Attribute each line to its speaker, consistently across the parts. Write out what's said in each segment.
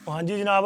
Speaker 1: ਹਾਂਜੀ ਜਨਾਬ।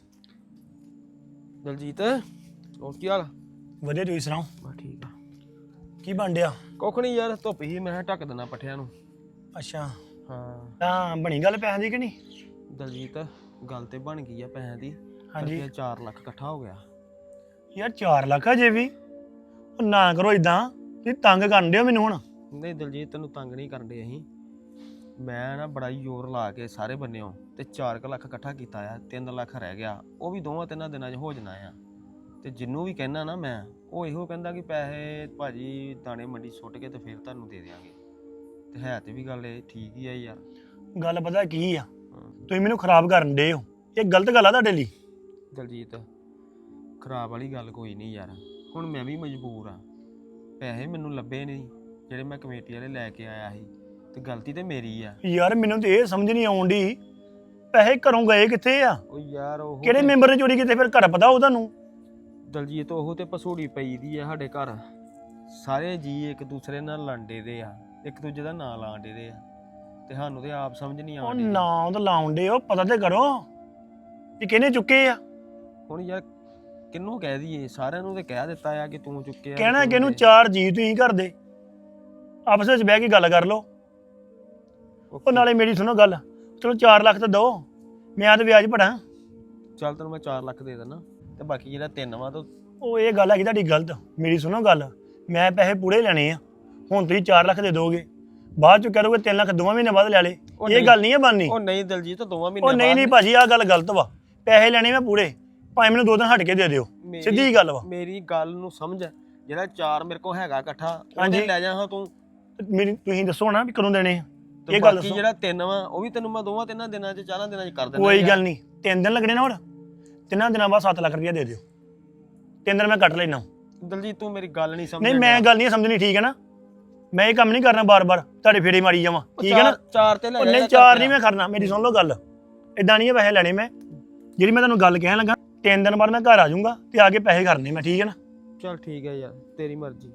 Speaker 2: ਦਲਜੀਤ ਹੋਰ ਕੀ ਹਾਲ?
Speaker 1: ਵਧੀਆ, ਤੁਸੀਂ ਸੁਣਾਓ?
Speaker 2: ਬਸ ਠੀਕ ਆ।
Speaker 1: ਕੀ ਬਣ ਡਿਆ?
Speaker 2: ਕੁੱਖ ਨਹੀਂ ਯਾਰ, ਧੁੱਪ ਹੀ ਮੈਂ ਕਿਹਾ ਢੱਕ ਦੇਣਾ ਪੱਠਿਆਂ ਨੂੰ।
Speaker 1: ਅੱਛਾ,
Speaker 2: ਹਾਂ
Speaker 1: ਤਾਂ ਬਣੀ ਗੱਲ ਪੈਸਿਆਂ ਦੀ ਕਿ ਨਹੀਂ?
Speaker 2: ਦਲਜੀਤ, ਗੱਲ ਤੇ ਬਣ ਗਈ ਆ ਪੈਸਿਆਂ ਦੀ।
Speaker 1: ਹਾਂਜੀ।
Speaker 2: ਰੁਪਇਆ 4 ਲੱਖ ਇਕੱਠਾ ਹੋ ਗਿਆ।
Speaker 1: ਯਾਰ 4 ਲੱਖ ਅਜੇ ਵੀ? ਉਹ ਨਾ ਕਰੋ ਇਦਾਂ, ਤੁਸੀਂ ਤੰਗ ਕਰਨ ਦਿਓ ਮੈਨੂੰ ਹੁਣ।
Speaker 2: ਨਹੀਂ ਦਲਜੀਤ, ਤੈਨੂੰ ਤੰਗ ਨਹੀਂ ਕਰਨ ਦੇ ਅਸੀਂ। ਮੈਂ ਨਾ ਬੜਾ ਹੀ ਜ਼ੋਰ ਲਾ ਕੇ ਸਾਰੇ ਬੰਨਿਓ ਤੇ 4 ਲੱਖ ਇਕੱਠਾ ਕੀਤਾ ਆ। 3 ਲੱਖ ਰਹਿ ਗਿਆ, ਉਹ ਵੀ 2-3 ਦਿਨਾਂ 'ਚ ਹੋ ਜਾਣਾ ਆ। ਤੇ ਜਿੰਨੂੰ ਵੀ ਕਹਿਣਾ ਨਾ ਮੈਂ, ਉਹ ਇਹੋ ਕਹਿੰਦਾ ਕਿ ਪੈਸੇ ਭਾਜੀ ਦਾਣੇ ਮੰਡੀ ਸੁੱਟ ਕੇ ਤੇ ਫਿਰ ਤੁਹਾਨੂੰ ਦੇ ਦਿਆਂਗੇ। ਤੇ ਹੈ ਤੇ ਵੀ ਗੱਲ ਇਹ ਠੀਕ ਹੀ ਆ ਯਾਰ।
Speaker 1: ਗੱਲ ਪਤਾ ਕੀ ਆ, ਤੁਸੀਂ ਮੈਨੂੰ ਖਰਾਬ ਕਰਨ ਦੇ ਹੋ। ਇਹ ਗਲਤ ਗੱਲ ਆ ਤੁਹਾਡੇ ਲਈ।
Speaker 2: ਦਲਜੀਤ, ਖਰਾਬ ਵਾਲੀ ਗੱਲ ਕੋਈ ਨਹੀਂ ਯਾਰ। ਹੁਣ ਮੈਂ ਵੀ ਮਜਬੂਰ ਆ। ਪੈਸੇ ਮੈਨੂੰ ਲੱਭੇ ਨਹੀਂ ਜਿਹੜੇ ਮੈਂ ਕਮੇਟੀ ਵਾਲੇ ਲੈ ਕੇ ਆਇਆ ਸੀ, ਤੇ ਗਲਤੀ ਤੇ ਮੇਰੀ ਆ।
Speaker 1: ਯਾਰ ਮੈਨੂੰ ਤੇ ਇਹ ਸਮਝ ਨਹੀਂ ਆਉਣ ਡਈ, ਪੈਸੇ ਘਰੋਂ ਗਏ ਕਿੱਥੇ ਆ?
Speaker 2: ਉਹ ਯਾਰ ਉਹ
Speaker 1: ਕਿਹੜੇ ਮੈਂਬਰ ਨੇ ਚੋਰੀ ਕੀਤੇ? ਫਿਰ ਘਰ ਪਤਾ ਉਹ ਤੁਹਾਨੂੰ?
Speaker 2: ਦਲਜੀਤ, ਉਹ ਤੇ ਪਸੂੜੀ ਪਈ ਦੀ ਆ ਸਾਡੇ ਘਰ। ਸਾਰੇ ਜੀ ਇੱਕ ਦੂਸਰੇ ਨਾਲ ਲੜਦੇ ਦੇ ਆ, ਇੱਕ ਦੂਜੇ ਦਾ ਨਾਂ ਲਾਉਂਦੇ ਦੇ ਆ, ਤੇ ਸਾਨੂੰ ਤੇ ਆਪ ਸਮਝ ਨਹੀਂ
Speaker 1: ਉਹ
Speaker 2: ਆਉਂਦੀ।
Speaker 1: ਨਾਂ ਤਾਂ ਲਾਉਣ ਦੇ, ਉਹ ਪਤਾ ਤੇ ਕਰੋ ਕਿ ਕਿਹਨੇ ਚੁੱਕੇ ਆ।
Speaker 2: ਹੁਣ ਯਾਰ ਕਿਹਨੂੰ ਕਹਿ ਦਈਏ? ਸਾਰਿਆਂ ਨੂੰ ਤੇ ਕਹਿ ਦਿੱਤਾ ਆ ਕਿ ਤੂੰ ਚੁੱਕਿਆ।
Speaker 1: ਕਹਿਣਾ ਕਿਹਨੂੰ? 4 ਜੀ ਤੁਸੀਂ ਘਰ ਦੇ, ਆਪਸ ਵਿੱਚ ਬਹਿ ਕੇ ਗੱਲ ਕਰ ਲਓ। ਉਹ ਨਾਲੇ ਮੇਰੀ ਸੁਣੋ ਗੱਲ, ਚਲੋ 4 ਲੱਖ ਤਾਂ ਦਿਓ, ਮੈਂ ਤਾਂ ਵਿਆਜ ਭਰਾਂ।
Speaker 2: ਚੱਲ ਤੈਨੂੰ ਮੈਂ 4 ਲੱਖ ਦੇ ਦਿੰਦਾ, ਤੇ ਬਾਕੀ ਜਿਹੜਾ 3 ਵਾ ਤਾਂ
Speaker 1: ਉਹ ਇਹ ਗੱਲ ਹੈਗੀ ਤੁਹਾਡੀ ਗਲਤ। ਮੇਰੀ ਸੁਣੋ ਗੱਲ, ਮੈਂ ਪੈਸੇ ਪੂਰੇ ਲੈਣੇ ਆ। ਹੁਣ ਤੁਸੀਂ 4 ਲੱਖ ਦੇ ਦੋਗੇ, ਬਾਅਦ ਚ ਕਹਿ ਦੋਗੇ 3 ਲੱਖ 2 ਮਹੀਨੇ ਬਾਅਦ ਲੈ ਲੇ। ਇਹ ਗੱਲ ਨਹੀਂ ਹੈ ਬਣਨੀ।
Speaker 2: ਉਹ ਨਹੀਂ ਦਲਜੀਤ, 2 ਮਹੀਨੇ
Speaker 1: ਉਹ ਨਹੀਂ ਭਾਜੀ, ਆਹ ਗੱਲ ਗਲਤ ਵਾ। ਪੈਸੇ ਲੈਣੇ ਮੈਂ ਪੂਰੇ, ਭਾਵੇਂ ਮੈਨੂੰ 2 ਦਿਨ ਹਟ ਕੇ ਦੇ ਦਿਓ, ਸਿੱਧੀ ਗੱਲ ਵਾ।
Speaker 2: ਮੇਰੀ ਗੱਲ ਨੂੰ ਸਮਝ। ਜਿਹੜਾ 4 ਮੇਰੇ ਕੋਲ ਹੈਗਾ ਇਕੱਠਾ,
Speaker 1: ਹਾਂਜੀ।
Speaker 2: ਉਹਦੇ ਲੈ ਜਾ ਹਾਂ ਤੂੰ।
Speaker 1: ਮੇਰੀ ਤੁਸੀਂ ਦੱਸੋ ਨਾ ਵੀ ਕਦੋਂ ਦੇਣੇ ਆ,
Speaker 2: ਤੇ
Speaker 1: ਇਹ ਗੱਲ
Speaker 2: ਬਾਕੀ
Speaker 1: ਦੱਸੋ।
Speaker 2: ਜਿਹੜਾ 3 ਵਾ, ਉਹ ਵੀ ਤੈਨੂੰ ਮੈਂ 2-3 ਦਿਨਾਂ 'ਚ 4 ਦਿਨਾਂ 'ਚ ਕਰ ਦਿੰਦਾ।
Speaker 1: ਕੋਈ ਗੱਲ ਨਹੀਂ, 3 ਦਿਨ ਲੱਗਣੇ ਨਾ। ਹੋਰ 3 ਦਿਨਾਂ ਬਾਅਦ 7 ਲੱਖ ਰੁਪਇਆ ਦੇ ਦਿਓ। 3 ਦਿਨ ਮੈਂ ਕੱਟ ਲੈਣਾ।
Speaker 2: ਦਲਜੀਤ, ਤੂੰ ਮੇਰੀ ਗੱਲ ਨਹੀਂ ਸਮਝ।
Speaker 1: ਨਹੀਂ, ਮੈਂ ਗੱਲ ਨਹੀਂ ਸਮਝਣੀ, ਠੀਕ ਹੈ ਨਾ? ਮੈਂ ਇਹ ਕੰਮ ਨਹੀਂ ਕਰਨਾ ਬਾਰ-ਬਾਰ ਤੁਹਾਡੇ ਫੇਰੇ ਮਾਰੀ ਜਾਵਾਂ, ਠੀਕ ਹੈ ਨਾ?
Speaker 2: 4 ਤੇ ਲੈ ਜਾ।
Speaker 1: ਨਹੀਂ 4 ਨਹੀਂ ਮੈਂ ਕਰਨਾ, ਮੇਰੀ ਸੁਣ ਲਓ ਗੱਲ। ਇਦਾਂ ਨਹੀਂ ਪੈਸੇ ਲੈਣੇ ਮੈਂ, ਜਿਹੜੀ ਮੈਂ ਤੁਹਾਨੂੰ ਗੱਲ ਕਹਿਣ ਲੱਗਾ। 3 ਦਿਨ ਬਾਅਦ ਮੈਂ ਘਰ ਆ ਜਾਊਂਗਾ ਤੇ ਆ ਕੇ ਪੈਸੇ ਕਰਨੇ ਮੈਂ, ਠੀਕ ਹੈ ਨਾ?
Speaker 2: ਚੱਲ ਠੀਕ ਹੈ ਯਾਰ, ਤੇਰੀ ਮਰਜ਼ੀ।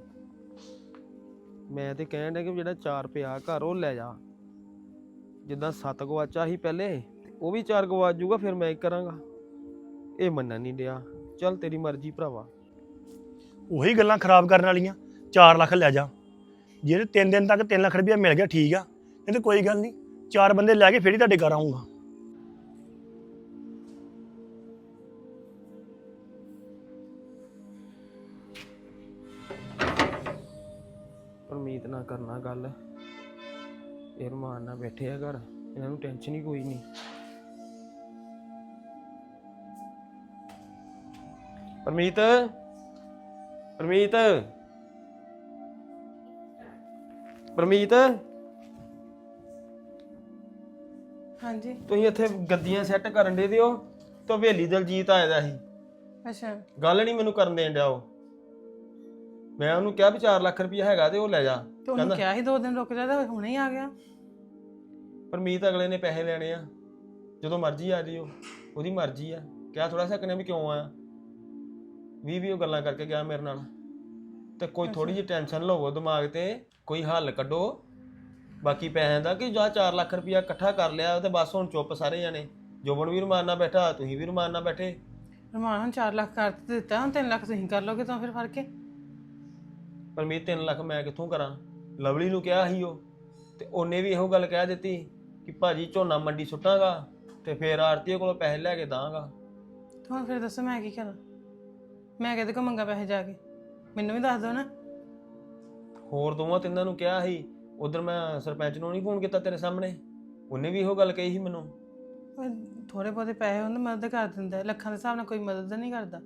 Speaker 2: ਮੈਂ ਤੇ ਕਹਿਣ ਡਿਆ ਕਿ ਜਿਹੜਾ 4 ਪਿਆ ਘਰ, ਉਹ ਲੈ ਜਾ। ਜਿੱਦਾਂ 7 ਗਵਾਚਾ ਸੀ ਪਹਿਲੇ, ਤੇ ਉਹ ਵੀ 4 ਗਵਾਚ ਜੂਗਾ, ਫਿਰ ਮੈਂ ਕੀ ਕਰਾਂਗਾ? ਇਹ ਮੰਨਣ ਨਹੀਂ ਡਿਆ। ਚੱਲ ਤੇਰੀ ਮਰਜ਼ੀ ਭਰਾਵਾ।
Speaker 1: ਉਹੀ ਗੱਲਾਂ ਖਰਾਬ ਕਰਨ ਵਾਲੀਆਂ। 4 ਲੱਖ ਲੈ ਜਾ, ਜਿਹੜੇ 3 ਦਿਨ ਤੱਕ 3 ਲੱਖ ਰੁਪਇਆ ਮਿਲ ਗਿਆ, ਠੀਕ ਆ। ਨਹੀਂ ਤਾਂ ਕੋਈ ਗੱਲ ਨਹੀਂ, 4 ਬੰਦੇ ਲੈ ਕੇ ਫਿਰ ਹੀ ਤੁਹਾਡੇ ਘਰ ਆਊਂਗਾ।
Speaker 2: ਉਮੀਦ ਨਾ ਕਰਨਾ ਗੱਲ। ਇਹ ਰਮਾਨ ਨਾਲ ਬੈਠੇ ਆ ਘਰ, ਇਹਨਾਂ ਨੂੰ ਟੈਨਸ਼ਨ ਹੀ ਕੋਈ ਨਹੀਂ। ਪਰਮੀਤ, ਪਰਮੀਤ, ਪਰਮੀਤ,
Speaker 3: ਹਾਂਜੀ।
Speaker 2: ਤੁਸੀਂ ਇੱਥੇ ਗੱਦੀਆਂ ਸੈੱਟ ਕਰਨ ਦੇ ਦਿਓ ਤੇ ਹਵੇਲੀ ਦਲਜੀਤ ਆਇਆ ਦਾ ਸੀ।
Speaker 3: ਅੱਛਾ।
Speaker 2: ਗੱਲ ਨਹੀਂ ਮੈਨੂੰ ਕਰਨ ਦੇਣ ਡਿਆ ਉਹ। ਮੈਂ ਉਹਨੂੰ ਕਿਹਾ ਵੀ 4 ਲੱਖ ਰੁਪਇਆ ਹੈਗਾ ਤੇ ਉਹ ਲੈ ਜਾ।
Speaker 3: ਤੇ ਉਹਨੂੰ ਕਿਹਾ ਸੀ 2 ਦਿਨ ਰੁਕ ਜਾ, ਤਾਂ ਹੁਣੇ ਹੀ ਆ ਗਿਆ।
Speaker 2: ਪਰਮੀਤ ਅਗਲੇ ਨੇ ਪੈਸੇ ਲੈਣੇ ਆ, ਜਦੋਂ ਮਰਜ਼ੀ ਆ ਜਿਓ, ਉਹਦੀ ਮਰਜ਼ੀ ਆ। ਕਿਹਾ ਥੋੜਾ ਸਕਨੇ ਵੀ ਕਿਉਂ ਆਇਆ। 20 ਉਹ ਗੱਲਾਂ ਕਰਕੇ ਗਿਆ ਮੇਰੇ ਨਾਲ। ਤੇ ਕੋਈ ਥੋੜੀ ਜਿਹੀ ਟੈਨਸ਼ਨ ਲਵੋ ਦਿਮਾਗ ਤੇ, ਕੋਈ ਹੱਲ ਕੱਢੋ। ਬਾਕੀ ਪੈਸਿਆਂ ਦਾ ਕਿ ਜਾਂ 4 ਲੱਖ ਰੁਪਇਆ ਇਕੱਠਾ ਕਰ ਲਿਆ ਤੇ ਬਸ ਹੁਣ ਚੁੱਪ ਸਾਰੇ ਜਾਣੇ। ਜੋਬਨ ਵੀ ਰਮਾਨ ਨਾਲ ਬੈਠਾ, ਤੁਸੀਂ ਵੀ ਰਮਾਨ ਨਾਲ ਬੈਠੇ।
Speaker 3: ਰਮਾਨ ਹੁਣ 4 ਲੱਖ ਕਰ ਦਿੱਤਾ, ਹੁਣ 3 ਲੱਖ ਤੁਸੀਂ ਕਰ ਲੋਗੇ ਤਾਂ ਫਿਰ ਫੜ ਕੇ।
Speaker 2: ਪਰਮੀਤ 3 ਲੱਖ ਮੈਂ ਕਿੱਥੋਂ ਕਰਾਂ? ਲਵਲੀ ਨੂੰ ਕਿਹਾ ਸੀ ਉਹ, ਤੇ ਉਹਨੇ ਵੀ ਇਹੋ ਗੱਲ ਕਹਿ ਦਿੱਤੀ ਕਿ ਭਾਜੀ ਝੋਨਾ ਮੰਡੀ ਸੁੱਟਾਂਗਾ ਤੇ ਫਿਰ ਆੜਤੀਏ ਕੋਲੋਂ ਪੈਸੇ ਲੈ ਕੇ ਦਾਂਗਾ।
Speaker 3: ਹੁਣ ਫਿਰ ਦੱਸੋ ਮੈਂ ਕੀ ਕਰਾਂ? ਮੈਂ ਕਿਹਦੇ ਕੋਲ ਮੰਗਾ ਪੈਸੇ ਜਾ ਕੇ? ਮੈਨੂੰ ਵੀ ਦੱਸ ਦਿਓ ਨਾ।
Speaker 2: ਹੋਰ 2-3 ਨੂੰ ਕਿਹਾ ਸੀ। ਉਧਰ ਮੈਂ ਸਰਪੰਚ ਨੂੰ ਨਹੀਂ ਫੋਨ ਕੀਤਾ ਤੇਰੇ ਸਾਹਮਣੇ, ਉਹਨੇ ਵੀ ਇਹੋ ਗੱਲ ਕਹੀ ਸੀ ਮੈਨੂੰ।
Speaker 3: ਥੋੜੇ ਬਹੁਤੇ ਪੈਸੇ ਉਹਨੂੰ ਮਦਦ ਕਰ ਦਿੰਦਾ, ਲੱਖਾਂ ਦੇ ਹਿਸਾਬ ਨਾਲ ਕੋਈ ਮਦਦ ਨਹੀਂ ਕਰਦਾ।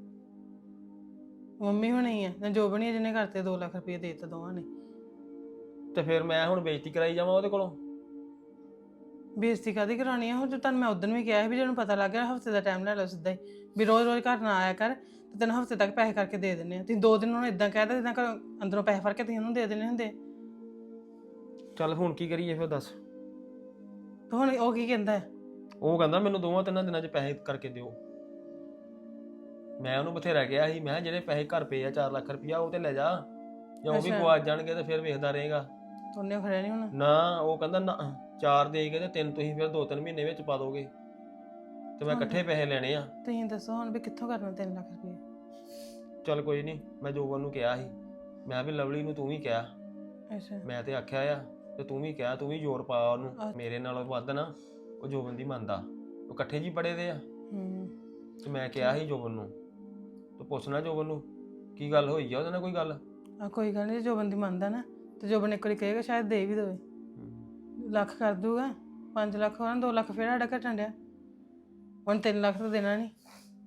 Speaker 3: ਮੰਮੀ ਹੋਣੀ ਆ ਨਾ, ਜੋ ਬਣੀ ਜਿਹਨੇ ਕਰਤੇ 2 ਲੱਖ ਰੁਪਏ ਦੇ ਦਿੱਤਾ ਦੋਵਾਂ ਨੇ।
Speaker 2: ਤੇ ਫਿਰ ਮੈਂ ਹੁਣ ਬੇਇੱਜ਼ਤੀ ਕਰਾਈ ਜਾਵਾਂ ਉਹਦੇ ਕੋਲੋਂ?
Speaker 3: ਬੇਇੱਜ਼ਤੀ ਕਾਹਦੀ ਕਰਾਉਣੀ ਆ? ਹੁਣ ਜੋ ਤੁਹਾਨੂੰ ਮੈਂ ਉਦੋਂ ਵੀ ਕਿਹਾ ਸੀ ਵੀ ਜਿਹਨੂੰ ਪਤਾ ਲੱਗ ਗਿਆ ਹਫ਼ਤੇ ਦਾ ਟਾਈਮ ਲੈ ਲਓ ਸਿੱਧਾ ਹੀ, ਵੀ ਰੋਜ਼ ਘਰ ਨਾ ਆਇਆ ਕਰ, ਤੇ ਤੈਨੂੰ ਹਫ਼ਤੇ ਤੱਕ ਪੈਸੇ ਕਰਕੇ ਦੇ ਦਿੰਦੇ ਆ। ਤੁਸੀਂ 2 ਦਿਨ ਉਹਨੂੰ ਇਦਾਂ ਕਹਿ ਦਿੱਤਾ ਜਿੱਦਾਂ ਘਰੋਂ ਅੰਦਰੋਂ ਪੈਸੇ ਫੜ ਕੇ ਤੁਸੀਂ ਉਹਨੂੰ ਦੇ ਦੇਣੇ ਹੁੰਦੇ।
Speaker 2: ਚੱਲ ਹੁਣ ਕੀ ਕਰੀਏ ਫਿਰ ਦੱਸ?
Speaker 3: ਤੇ ਹੁਣ ਉਹ ਕੀ ਕਹਿੰਦਾ ਹੈ?
Speaker 2: ਉਹ ਕਹਿੰਦਾ ਮੈਨੂੰ 2-3 ਦਿਨਾਂ 'ਚ ਪੈਸੇ ਕਰਕੇ ਦਿਓ। ਮੈਂ ਉਹਨੂੰ ਬਥੇਰਾ ਕਿਹਾ ਸੀ, ਮੈਂ ਕਿਹਾ ਜਿਹੜੇ ਪੈਸੇ ਘਰ ਪਏ ਆ 4 ਲੱਖ ਰੁਪਇਆ, ਉਹ ਤੇ ਲੈ ਜਾ, ਜਾਂ ਉਹ ਵੀ ਗਵਾਚ ਜਾਣਗੇ ਤੇ ਫਿਰ ਵੇਖਦਾ ਰਹੇਗਾ।
Speaker 3: ਉਹਨੇ ਖੜਿਆ ਨਹੀਂ ਹੁਣ
Speaker 2: ਨਾ ਉਹ ਕਹਿੰਦਾ ਨਾ, 4 ਦੇ ਕੇ ਤੇ 3 ਤੁਸੀਂ ਫਿਰ 2-3 ਮਹੀਨੇ ਵਿੱਚ ਪਾ ਦੋਗੇ। ਤੇ ਮੈਂ ਇਕੱਠੇ ਪੈਸੇ ਲੈਣੇ ਆ।
Speaker 3: ਤੁਸੀਂ ਦੱਸੋ ਹੁਣ ਵੀ ਕਿੱਥੋਂ ਕਰਨਾ 3 ਲੱਖ ਰੁਪਏ?
Speaker 2: ਚੱਲ ਕੋਈ ਨਹੀਂ, ਮੈਂ ਜੋਬਨ ਨੂੰ ਕਿਹਾ ਸੀ, ਮੈਂ ਵੀ ਲਵਲੀ ਨੂੰ ਤੂੰ ਵੀ ਕਿਹਾ,
Speaker 3: ਅੱਛਾ
Speaker 2: ਮੈਂ ਤੇ ਆਖਿਆ ਆ ਤੇ ਤੂੰ ਵੀ ਕਿਹਾ, ਤੂੰ ਵੀ ਜ਼ੋਰ ਪਾ ਉਹਨੂੰ। ਮੇਰੇ ਨਾਲੋਂ ਵੱਧ ਨਾ ਉਹ ਜੋਬਨ ਦੀ ਮੰਨਦਾ, ਉਹ ਇਕੱਠੇ ਜੀ ਪੜੇ ਦੇ ਆ। ਤੇ ਮੈਂ ਕਿਹਾ ਸੀ ਜੋਬਨ ਨੂੰ, ਤੂੰ ਪੁੱਛਣਾ ਜੋਬਨ ਨੂੰ ਕੀ ਗੱਲ ਹੋਈ ਆ ਉਹਦੇ ਨਾਲ, ਕੋਈ ਗੱਲ?
Speaker 3: ਕੋਈ ਗੱਲ ਨਹੀਂ, ਜੋ ਬੰਦੀ ਮੰਨਦਾ ਨਾ ਤੇ ਜੋ ਬੰਦੇ ਇੱਕ ਵਾਰੀ ਕਹੇਗਾ ਸ਼ਾਇਦ ਦੇ ਵੀ ਦੇਵੇ। ਲੱਖ ਕਰ ਦੂਗਾ, 5 ਲੱਖ ਹੋਣਾ, 2 ਲੱਖ ਫਿਰ ਸਾਡਾ ਘਟਣ ਡਿਆ, ਹੁਣ 3 ਲੱਖ ਤਾਂ ਦੇਣਾ ਨਹੀਂ।